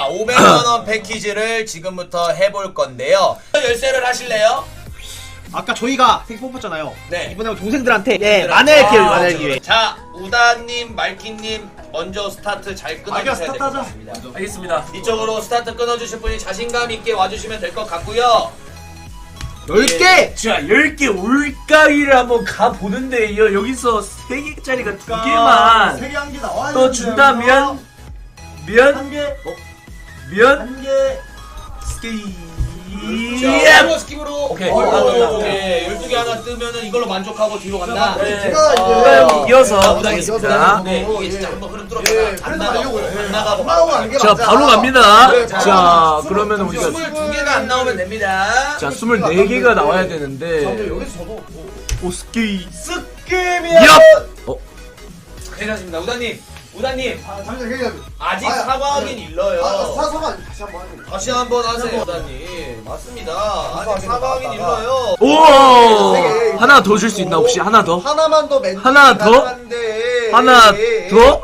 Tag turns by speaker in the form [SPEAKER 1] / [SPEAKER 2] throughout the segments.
[SPEAKER 1] 자, 500만원 패키지를 지금부터 해볼 건데요. 열쇠를 하실래요?
[SPEAKER 2] 아까 저희가 색 뽑았잖아요.
[SPEAKER 1] 네.
[SPEAKER 2] 이번에 동생들한테 만회할 기회, 만회할 기회.
[SPEAKER 1] 자, 우다님, 말키님 먼저 스타트 잘 끊어주셔야 될 것 같습니다.
[SPEAKER 3] 알겠습니다.
[SPEAKER 1] 이쪽으로 스타트 끊어주실 분이 자신감 있게 와주시면 될 것 같고요.
[SPEAKER 2] 10개!
[SPEAKER 3] 자, 10개 올가위를 한번 가보는데 여기서 3개짜리가 2개만
[SPEAKER 4] 3개 한 개 나와야
[SPEAKER 3] 또 준다면
[SPEAKER 4] 한 개,
[SPEAKER 3] 면
[SPEAKER 4] 한 개.
[SPEAKER 3] 스케이
[SPEAKER 1] 자, 스킵으로.
[SPEAKER 3] 오케이.
[SPEAKER 1] 오케이. 12개 하나 뜨면은 이걸로 만족하고 뒤로 간다.
[SPEAKER 3] 네.
[SPEAKER 4] 제가
[SPEAKER 3] 우다형이 이어서
[SPEAKER 1] 우다겠습니다. 네,
[SPEAKER 4] 어,
[SPEAKER 1] 이게 진짜
[SPEAKER 4] 예.
[SPEAKER 1] 한번 흐름
[SPEAKER 4] 예,
[SPEAKER 1] 뚫었다가 안 나가고, 안 나가고.
[SPEAKER 4] 가는 게
[SPEAKER 3] 자,
[SPEAKER 4] 맞아.
[SPEAKER 3] 바로 갑니다.
[SPEAKER 4] 그래,
[SPEAKER 3] 자, 그러면 우리가
[SPEAKER 1] 22개가 안 나오면 됩니다.
[SPEAKER 3] 자, 24개가 나와야
[SPEAKER 4] 근데
[SPEAKER 3] 되는데
[SPEAKER 4] 여기서 저도
[SPEAKER 3] 오, 스케이
[SPEAKER 4] 스킵이야.
[SPEAKER 3] 얍!
[SPEAKER 1] 괜찮습니다. 우다님,
[SPEAKER 4] 잠시만 얘기해.
[SPEAKER 1] 아직 사과하긴 일러요.
[SPEAKER 4] 사과는 다시 한번 하는 거.
[SPEAKER 1] 다시 한번 하세요, 우다님. 맞습니다. 아직 사과하긴 일러요.
[SPEAKER 3] 오! 하나 더 줄 수 있나 혹시? 하나 더?
[SPEAKER 4] 하나만 더 맨.
[SPEAKER 3] 하나 더? 하나 더?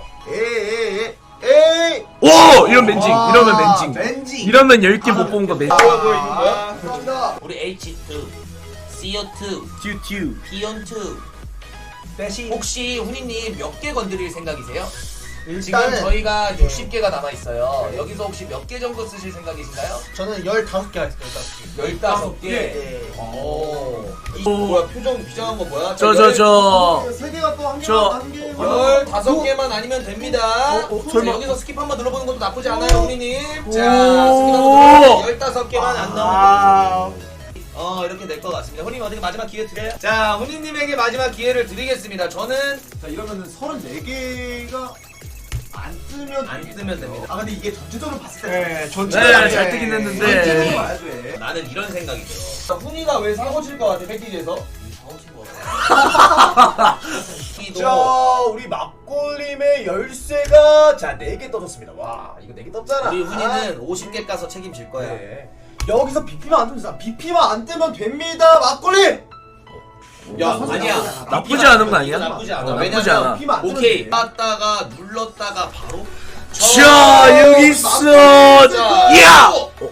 [SPEAKER 4] 에이.
[SPEAKER 3] 오! 이런 멘징. 이러면 멘징.
[SPEAKER 4] 멘징.
[SPEAKER 3] 이러면 10개 못 본 거 멘징.
[SPEAKER 1] 보여 보이는 거야?
[SPEAKER 4] 감사합니다.
[SPEAKER 1] 우리 H2, CO2,
[SPEAKER 3] 튜튜.
[SPEAKER 1] P2.
[SPEAKER 2] 대시.
[SPEAKER 1] 혹시 훈이님 몇 개 건드릴 생각이세요? 지금
[SPEAKER 4] 일단은
[SPEAKER 1] 저희가 60개가 남아있어요. 여기서 혹시 몇 개 정도 쓰실 생각이신가요?
[SPEAKER 4] 저는 15개 하겠습니다.
[SPEAKER 1] 15개?
[SPEAKER 4] 예.
[SPEAKER 1] 오. 뭐야, 표정 비장한 거 뭐야?
[SPEAKER 3] 저.
[SPEAKER 4] 3개가 또 한 개.
[SPEAKER 1] 15개만 아니면 됩니다.
[SPEAKER 3] 설마.
[SPEAKER 1] 여기서 스킵 한번 눌러보는 것도 나쁘지 않아요, 훈이님. 자,
[SPEAKER 3] 오.
[SPEAKER 1] 스킵 한번 눌러보면 15개만 안 나오면
[SPEAKER 2] 아.
[SPEAKER 1] 이렇게 될 것 같습니다. 훈이님 어떻게 마지막 기회 드려요? 자, 훈이님에게 마지막 기회를 드리겠습니다. 저는
[SPEAKER 4] 자, 이러면은 34개가 안 뜨면
[SPEAKER 1] 됩니다.
[SPEAKER 4] 아, 근데 이게 전체적으로 봤을 때
[SPEAKER 2] 네,
[SPEAKER 3] 네, 잘 뜨긴
[SPEAKER 4] 전체적으로
[SPEAKER 3] 했는데.
[SPEAKER 4] 봐야 돼.
[SPEAKER 1] 나는 이런 생각이 들어. 훈이가 왜 사고 칠 것 같아, 패키지에서? 사고 칠것 같아.
[SPEAKER 4] 자, 우리 막골림의 열쇠가 자 4개 떠졌습니다. 와, 이거 4개 떴잖아.
[SPEAKER 1] 우리 훈이는 50개 까서 책임질 거야.
[SPEAKER 4] 네. 여기서 BP만 안 뜨면 BP만 안 뜨면 됩니다. 막골림.
[SPEAKER 1] 야, 아니야.
[SPEAKER 3] 나쁘지 않은 거 아니야?
[SPEAKER 1] 나쁘지 않아.
[SPEAKER 3] 나쁘지
[SPEAKER 1] 왜냐면
[SPEAKER 3] 않아.
[SPEAKER 4] BP만 안 뜨면
[SPEAKER 1] 오케이.
[SPEAKER 4] 돼.
[SPEAKER 1] 땄다가 눌렀다가 바로.
[SPEAKER 3] 자, 여기 있어. 야!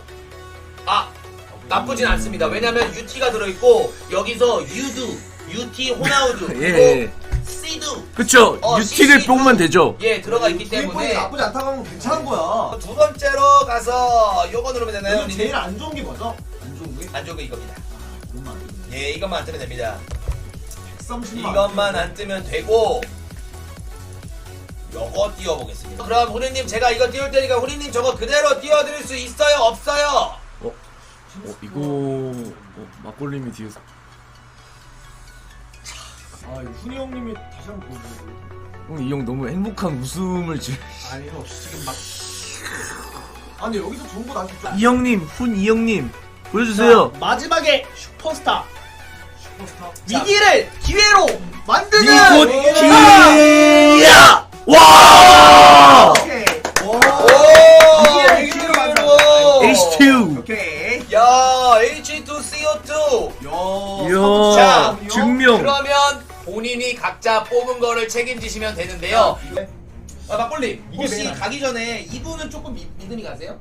[SPEAKER 1] 나쁘진 않습니다. 왜냐면 UT가 들어있고 여기서 유두, UT 호나우두,
[SPEAKER 3] 예.
[SPEAKER 1] 그리고 시두
[SPEAKER 3] 그쵸. 유티를
[SPEAKER 1] CC
[SPEAKER 3] 뽑으면 되죠.
[SPEAKER 1] 예 들어가 있기
[SPEAKER 4] 부인분이
[SPEAKER 1] 때문에
[SPEAKER 4] 나쁘지 않다고 하면 괜찮은 거야.
[SPEAKER 1] 두 번째로 가서 요거 누르면 되나요?
[SPEAKER 4] 여기 제일 안 좋은 게 뭐죠? 안 좋은 게?
[SPEAKER 1] 안 좋은 거 이겁니다.
[SPEAKER 4] 이것만.
[SPEAKER 1] 예, 이것만 안 뜨면 됩니다.
[SPEAKER 4] 130만.
[SPEAKER 1] 이것만 안 뜨면 되고 요거 띄워보겠습니다. 그럼 후리님 제가 이거 띄울 테니까 후리님 저거 그대로 띄워드릴 수 있어요? 없어요?
[SPEAKER 3] 이거 막골림이 뒤에서.
[SPEAKER 4] 아, 이거 훈이 형님이 다시 한번 보여주세요.
[SPEAKER 3] 이 형 너무 행복한 웃음을 지.
[SPEAKER 4] 아니요, 지금 막. 아, 근데 여기서 좋은 거 나한테 좀.
[SPEAKER 3] 이 형님, 이 형님 보여주세요.
[SPEAKER 2] 마지막에 슈퍼스타.
[SPEAKER 4] 슈퍼스타.
[SPEAKER 2] 위기를 기회로 만드는
[SPEAKER 3] 이곳 기야. 와!
[SPEAKER 4] 오케이.
[SPEAKER 1] 오!
[SPEAKER 4] 이게
[SPEAKER 1] 위기로
[SPEAKER 3] H2.
[SPEAKER 4] 오케이.
[SPEAKER 1] 야, H2CO2.
[SPEAKER 3] 이야,
[SPEAKER 1] 자,
[SPEAKER 3] 증명.
[SPEAKER 1] 그러면 본인이 각자 뽑은 거를 책임지시면 되는데요. 막걸리 혹시
[SPEAKER 4] 맨
[SPEAKER 1] 가기 전에 이분은 조금 믿음이 가세요?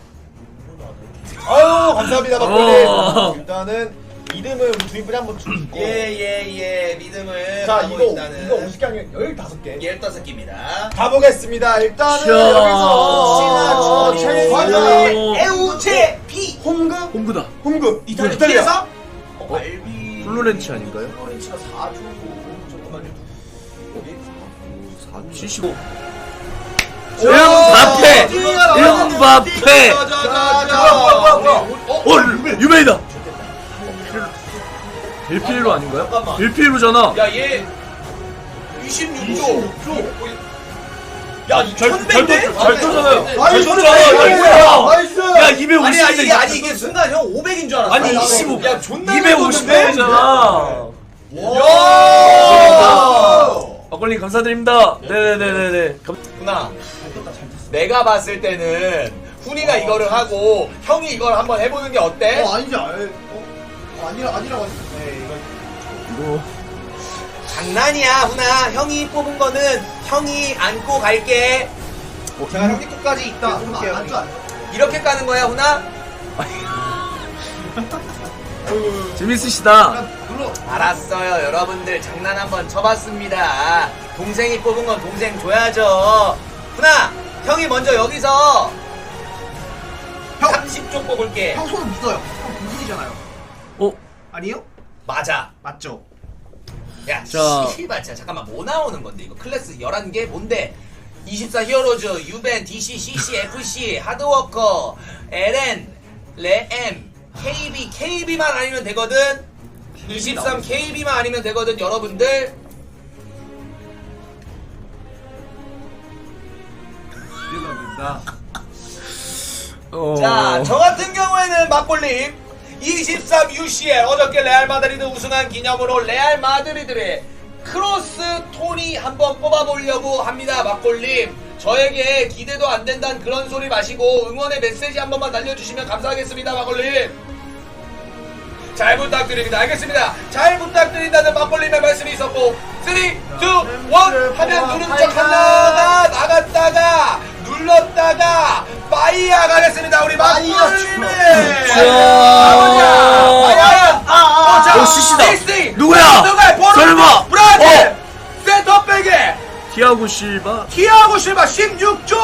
[SPEAKER 4] 아유, 감사합니다, 막걸리.
[SPEAKER 3] 어.
[SPEAKER 4] 일단은 이름을 우리 주인분이 한번 주고.
[SPEAKER 1] 예, 믿음을
[SPEAKER 4] 자,
[SPEAKER 1] 하고
[SPEAKER 4] 이거
[SPEAKER 1] 있다는
[SPEAKER 4] 50개 아니면 15개.
[SPEAKER 1] 15개입니다.
[SPEAKER 4] 가보겠습니다. 일단은
[SPEAKER 3] 자.
[SPEAKER 4] 여기서
[SPEAKER 1] 자.
[SPEAKER 4] 최고
[SPEAKER 2] 에우체 B.
[SPEAKER 4] 홈그
[SPEAKER 3] 홈그다.
[SPEAKER 4] 홈그
[SPEAKER 2] 이탈리아에서
[SPEAKER 1] 알비
[SPEAKER 3] 플로렌치 아닌가요?
[SPEAKER 1] 플로렌치가 4주 잠깐만요.
[SPEAKER 3] 75. 음바페! 음바페! 유메이다! 델피엘로 아닌가요?
[SPEAKER 1] 잠깐만.
[SPEAKER 3] 델피엘로잖아.
[SPEAKER 1] 야, 얘 26조. 야,
[SPEAKER 3] 잘 떠잖아요.
[SPEAKER 4] 나이스!
[SPEAKER 3] 뭐야?
[SPEAKER 4] 나이스!
[SPEAKER 3] 야, 250대.
[SPEAKER 1] 아니 이게 순간 형 500인 줄 알았어.
[SPEAKER 3] 아니, 25.
[SPEAKER 1] 야, 존나
[SPEAKER 3] 250대잖아.
[SPEAKER 1] 야!
[SPEAKER 3] 막걸리 감사드립니다. 네네네네네.
[SPEAKER 1] 누나, 내가 봤을 때는 훈이가 이거를 하고 형이 이걸 한번 해보는 게 어때?
[SPEAKER 4] 아니지, 아니라고 하지.
[SPEAKER 3] 이거.
[SPEAKER 1] 장난이야, 훈아. 형이 뽑은 거는 형이 안고 갈게.
[SPEAKER 4] 제가 형님 끝까지 있다.
[SPEAKER 2] 볼게요.
[SPEAKER 4] 앉아.
[SPEAKER 1] 이렇게 까는 거야 훈아?
[SPEAKER 3] 재밌으시다.
[SPEAKER 2] 눌러.
[SPEAKER 1] 알았어요 여러분들 장난 한번 쳐봤습니다. 동생이 뽑은 건 동생 줘야죠. 훈아 형이 먼저 여기서
[SPEAKER 2] 형.
[SPEAKER 1] 30쪽 뽑을게.
[SPEAKER 2] 형 손은 믿어요. 형 공신이잖아요.
[SPEAKER 3] 어?
[SPEAKER 2] 아니요?
[SPEAKER 1] 맞아.
[SPEAKER 2] 맞죠?
[SPEAKER 1] 야
[SPEAKER 3] 자.
[SPEAKER 1] 씨발 진짜 잠깐만 뭐 나오는 건데 이거 클래스 11개 뭔데? 24 히어로즈, 유벤, DC, CC, FC, 하드워커, LN, 레엠, KB, KB만 아니면 되거든. 23 KB만 아니면 되거든 여러분들. 자, 저 같은 경우에는 막골림 23 UCL 어저께 레알 마드리드 우승한 기념으로 레알 마드리드의 크로스 토니 한번 뽑아보려고 합니다. 막골림 저에게 기대도 안 된다는 그런 소리 마시고 응원의 메시지 한 번만 날려주시면 감사하겠습니다. 막골림 잘 부탁드립니다. 알겠습니다. 잘 부탁드린다는 막골림의 말씀이 있었고 3, 2, 1 하면 누른 척 하다가 나갔다가 눌렀다가 빠이야 가겠습니다. 우리 막골림의
[SPEAKER 3] 어, CC다. 누구야? 설마.
[SPEAKER 1] 브라질 센터백에
[SPEAKER 3] 티아고 실바.
[SPEAKER 1] 티아고 실바 16조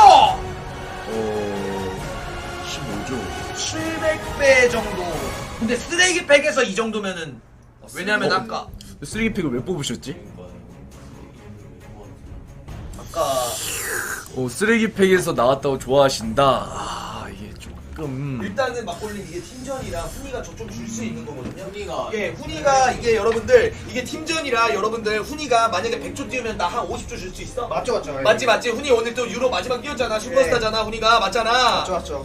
[SPEAKER 3] 15조.
[SPEAKER 1] 700배 정도. 근데 쓰레기팩에서 이 정도면은 왜냐면 아까
[SPEAKER 3] 쓰레기팩을 왜 뽑으셨지? 쓰레기팩에서 나왔다고 좋아하신다. 아, 이게 조금.
[SPEAKER 1] 일단은 막골림 이게 팀전이라 훈이가 저 좀 줄 수 있는 거거든요. 훈이가 이게 여러분들 이게 팀전이라 여러분들 훈이가 만약에 100조 뛰면 나 한 50조 줄 수 있어?
[SPEAKER 2] 맞죠, 맞죠.
[SPEAKER 1] 맞지 훈이 오늘 또 유로 마지막 뛰었잖아. 슈퍼스타잖아 훈이가 맞잖아.
[SPEAKER 2] 맞죠.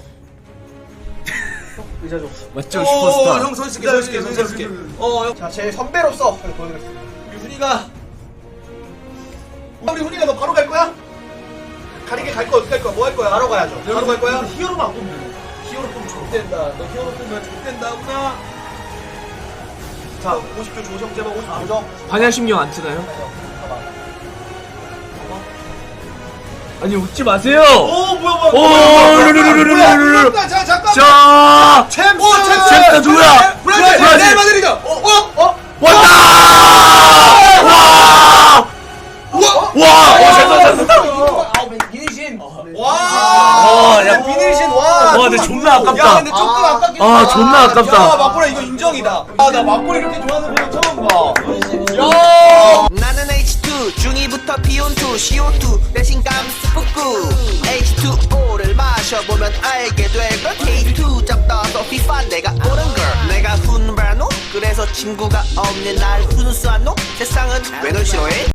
[SPEAKER 2] 의자 줘.
[SPEAKER 3] 맞죠, 슈퍼스타.
[SPEAKER 1] 형 선수께 형.
[SPEAKER 2] 자, 제 선배로서 보여드리겠습니다.
[SPEAKER 1] 우리 훈이가 우리 훈이가 너 바로 갈 거야? 가리게 갈 거야? 어떻게 할 거야? 뭐 할 거야?
[SPEAKER 2] 바로 가야죠.
[SPEAKER 1] 바로 갈 거야?
[SPEAKER 2] 히어로만 안 뽑으면
[SPEAKER 1] 히어로 뽑으면 족된다. 너 히어로 뽑으면 족된다 훈아. 자 50조 조정 제발 50조 조정.
[SPEAKER 3] 반야심령 안 트나요? 아니, 웃지 마세요! 르르르르르르르르.
[SPEAKER 1] 잠깐만.
[SPEAKER 3] 자!
[SPEAKER 1] 챔스
[SPEAKER 3] 챔스 누구야?
[SPEAKER 1] 브라질
[SPEAKER 3] 브라질.
[SPEAKER 1] 레알 마드리드.
[SPEAKER 3] 왔다! 와!
[SPEAKER 1] 비닐신.
[SPEAKER 3] 야,
[SPEAKER 1] 비닐신 와.
[SPEAKER 3] 와, 근데 존나 아깝다.
[SPEAKER 1] 야, 근데 조금 아깝긴
[SPEAKER 3] 아,
[SPEAKER 1] 하다.
[SPEAKER 3] 존나 아깝다.
[SPEAKER 1] 야, 막고라 이거 인정이다. 아, 나 막고라 이렇게 좋아하는 사람 처음 봐. 야.
[SPEAKER 5] 나는 H2 중2부터 P12 CO2 대신 감스프구 H2O를 마셔보면 알게 될걸 K2 잡다서 FIFA 내가 옳은 걸 내가 훈바노 그래서 친구가 없는 날 훈수한 놈 세상은 왜 널 싫어해?